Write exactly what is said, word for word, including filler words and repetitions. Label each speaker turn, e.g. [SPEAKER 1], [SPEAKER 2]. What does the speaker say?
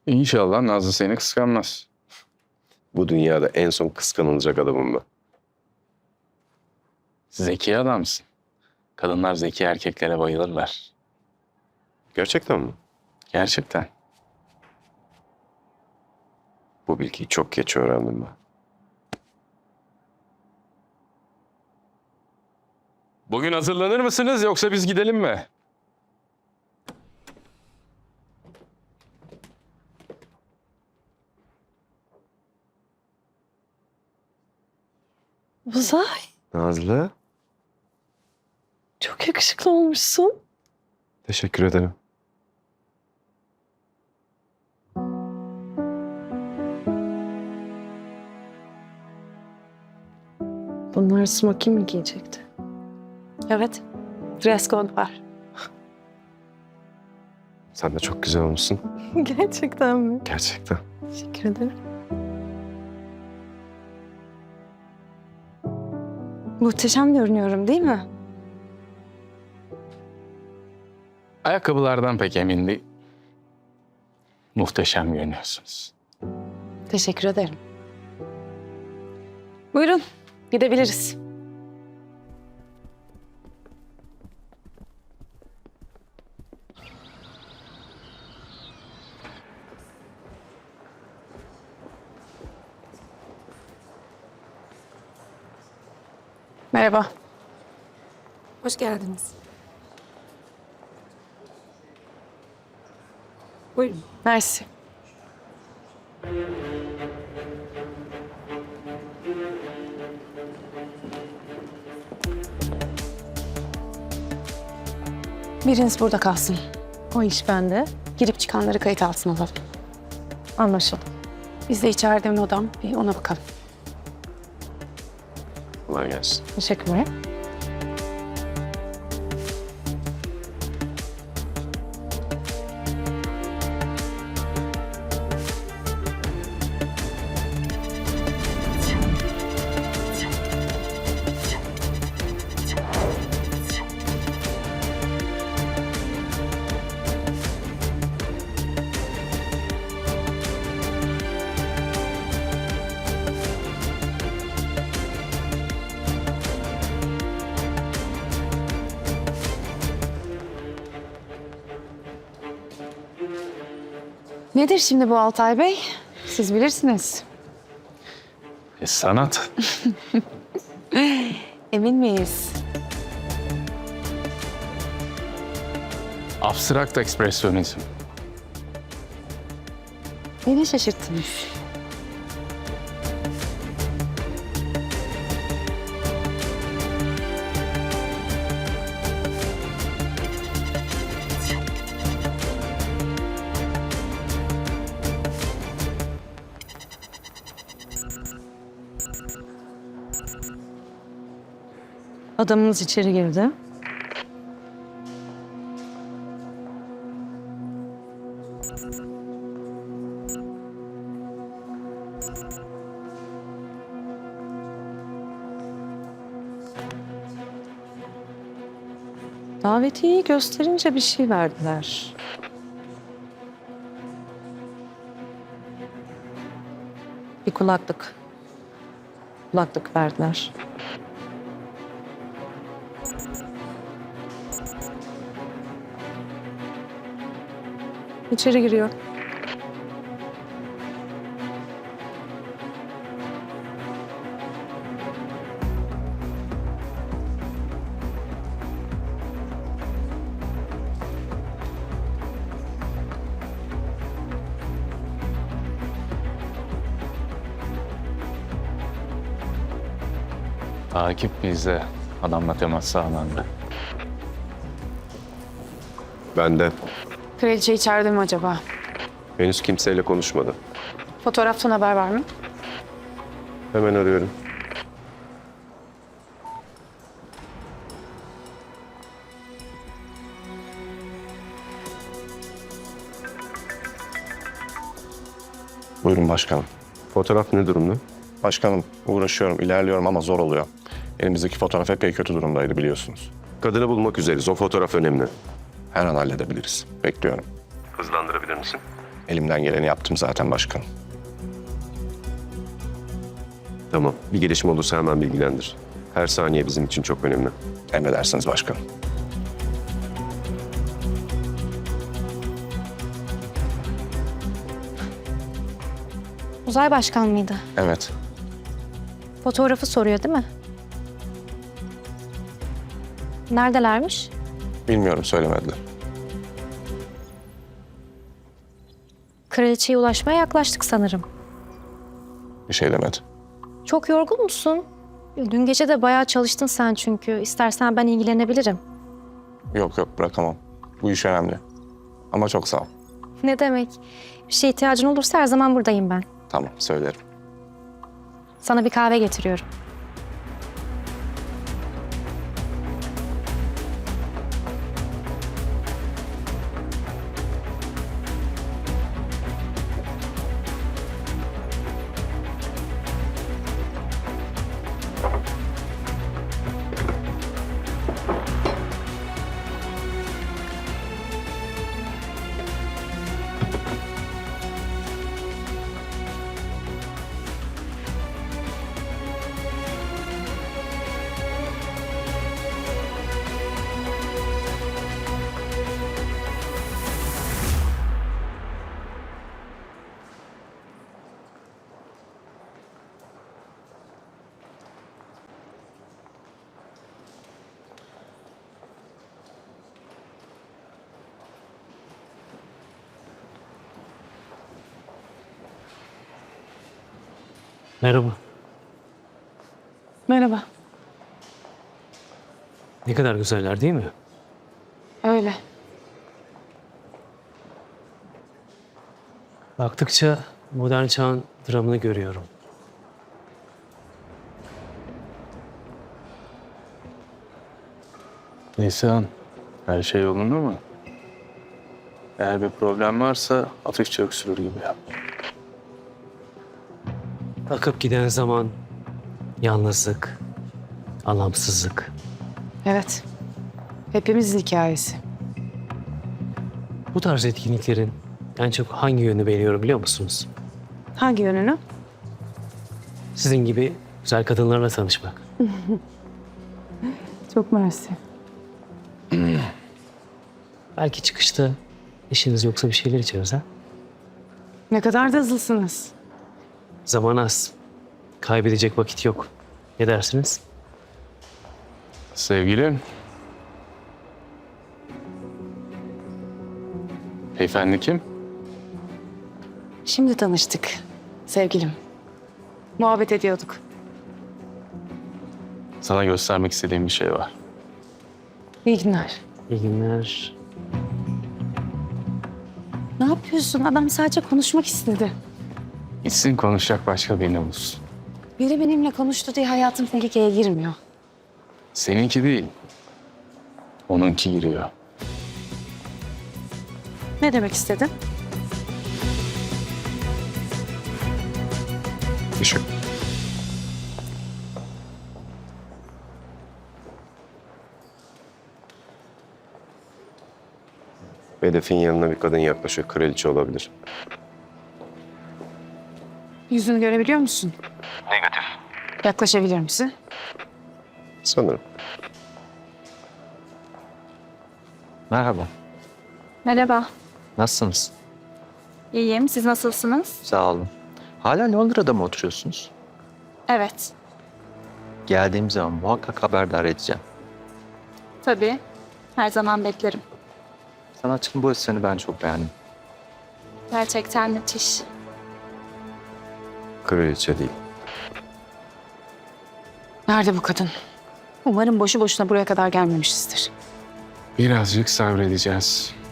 [SPEAKER 1] İnşallah Nazlı seni kıskanmaz.
[SPEAKER 2] Bu dünyada en son kıskanılacak adamım ben.
[SPEAKER 1] Zeki adamsın. Kadınlar zeki erkeklere bayılırlar.
[SPEAKER 2] Gerçekten mi?
[SPEAKER 1] Gerçekten.
[SPEAKER 2] Bu bilgiyi çok geç öğrendim ben.
[SPEAKER 1] Bugün hazırlanır mısınız yoksa biz gidelim mi?
[SPEAKER 3] Uzay,
[SPEAKER 2] Nazlı,
[SPEAKER 3] çok yakışıklı olmuşsun.
[SPEAKER 2] teşekkür ederim.
[SPEAKER 3] Bunlar smoking mi giyecekti?
[SPEAKER 4] Evet. Dress code var.
[SPEAKER 2] Sen de çok güzel olmuşsun.
[SPEAKER 3] Gerçekten mi?
[SPEAKER 2] Gerçekten.
[SPEAKER 3] Teşekkür ederim.
[SPEAKER 4] Muhteşem görünüyorum değil mi?
[SPEAKER 1] Ayakkabılardan pek emin değil. Muhteşem görünüyorsunuz.
[SPEAKER 4] Teşekkür ederim. Buyurun, gidebiliriz. Merhaba. Hoş geldiniz. Buyurun. Mersi. Biriniz burada kalsın.
[SPEAKER 3] O iş bende.
[SPEAKER 4] Girip çıkanları kayıt altına alalım.
[SPEAKER 3] Anlaşıldı.
[SPEAKER 4] Biz de içeride bir odam, bir ona bakalım.
[SPEAKER 2] Kolay gelsin.
[SPEAKER 3] Teşekkürler.
[SPEAKER 4] Nedir şimdi bu Altay Bey? Siz bilirsiniz.
[SPEAKER 1] E, sanat.
[SPEAKER 4] Emin miyiz?
[SPEAKER 1] Abstrakt ekspresyonizm.
[SPEAKER 4] Beni şaşırttınız.
[SPEAKER 3] Adamınız içeri girdi. Davetiyeyi gösterince bir şey verdiler. Bir kulaklık. Kulaklık verdiler. İçeri giriyor.
[SPEAKER 1] Takip bizde. Adamla temas sağlandı.
[SPEAKER 2] Ben de
[SPEAKER 4] Kraliçe içeride mi acaba?
[SPEAKER 2] henüz kimseyle konuşmadı.
[SPEAKER 4] Fotoğraftan haber var mı?
[SPEAKER 2] Hemen arıyorum.
[SPEAKER 5] Buyurun başkanım.
[SPEAKER 2] Fotoğraf ne durumda?
[SPEAKER 5] Başkanım uğraşıyorum, ilerliyorum ama zor oluyor. Elimizdeki fotoğraf epey kötü durumdaydı biliyorsunuz.
[SPEAKER 2] Kadını bulmak üzereyiz. O fotoğraf önemli.
[SPEAKER 5] Her an halledebiliriz. Bekliyorum.
[SPEAKER 2] Hızlandırabilir misin?
[SPEAKER 5] Elimden geleni yaptım zaten başkanım.
[SPEAKER 2] Tamam. Bir gelişme olursa hemen bilgilendir. Her saniye bizim için çok önemli.
[SPEAKER 5] Emredersiniz başkanım.
[SPEAKER 6] Uzay başkan mıydı?
[SPEAKER 5] Evet.
[SPEAKER 6] Fotoğrafı soruyor değil mi? Neredelermiş?
[SPEAKER 5] Bilmiyorum, söylemediler.
[SPEAKER 6] Kraliçeye ulaşmaya yaklaştık sanırım.
[SPEAKER 5] Bir şey demedi.
[SPEAKER 6] Çok yorgun musun? Dün gece de bayağı çalıştın sen çünkü. İstersen ben ilgilenebilirim.
[SPEAKER 5] Yok yok, bırakamam. Bu iş önemli. Ama çok sağ ol.
[SPEAKER 6] Ne demek? Bir şeye ihtiyacın olursa her zaman buradayım ben.
[SPEAKER 5] Tamam, söylerim.
[SPEAKER 6] Sana bir kahve getiriyorum.
[SPEAKER 7] Merhaba.
[SPEAKER 4] Merhaba.
[SPEAKER 7] Ne kadar güzeller değil mi?
[SPEAKER 4] Öyle.
[SPEAKER 7] Baktıkça modern çağın dramını görüyorum.
[SPEAKER 1] Nisan, her şey yolunda mı? Eğer bir problem varsa hafifçe öksürür gibi yap.
[SPEAKER 7] Akıp giden zaman, yalnızlık, anlamsızlık.
[SPEAKER 4] Evet. Hepimizin hikayesi.
[SPEAKER 7] Bu tarz etkinliklerin en çok hangi yönünü beğeniyorum biliyor musunuz?
[SPEAKER 4] Hangi yönünü?
[SPEAKER 7] Sizin gibi güzel kadınlarla tanışmak.
[SPEAKER 4] Çok mersi.
[SPEAKER 7] Belki çıkışta işiniz yoksa bir şeyler içeriz ha?
[SPEAKER 4] Ne kadar da hızlısınız.
[SPEAKER 7] Zaman az. Kaybedecek vakit yok. Ne dersiniz?
[SPEAKER 1] Sevgilim. Beyefendi kim?
[SPEAKER 4] Şimdi tanıştık. Sevgilim. Muhabbet ediyorduk.
[SPEAKER 1] Sana göstermek istediğim bir şey var.
[SPEAKER 4] İyi günler.
[SPEAKER 7] İyi günler.
[SPEAKER 4] Ne yapıyorsun? Adam sadece konuşmak istedi.
[SPEAKER 1] Gitsin konuşacak başka birini bulsun.
[SPEAKER 4] Biri benimle konuştu diye hayatım tehlikeye girmiyor.
[SPEAKER 1] Seninki değil. Onunki giriyor.
[SPEAKER 4] Ne demek istedin?
[SPEAKER 5] Işık.
[SPEAKER 2] Hedefin yanına bir kadın yaklaşıyor. Kraliçe olabilir.
[SPEAKER 4] Yüzünü görebiliyor musun? Negatif. Yaklaşabilir misin?
[SPEAKER 2] Sanırım.
[SPEAKER 8] Merhaba,
[SPEAKER 6] Merhaba.
[SPEAKER 8] nasılsınız?
[SPEAKER 6] İyiyim. Siz nasılsınız?
[SPEAKER 8] Sağ olun. Hala Londra'da mı oturuyorsunuz?
[SPEAKER 6] Evet.
[SPEAKER 8] Geldiğim zaman muhakkak haberdar edeceğim.
[SPEAKER 6] Tabii. Her zaman beklerim.
[SPEAKER 8] Sanatçının bu eserini ben çok beğendim.
[SPEAKER 6] Gerçekten müthiş.
[SPEAKER 2] Kraliçe değil.
[SPEAKER 4] Nerede bu kadın? Umarım boşu boşuna buraya kadar gelmemişizdir.
[SPEAKER 1] Birazcık sabredeceğiz.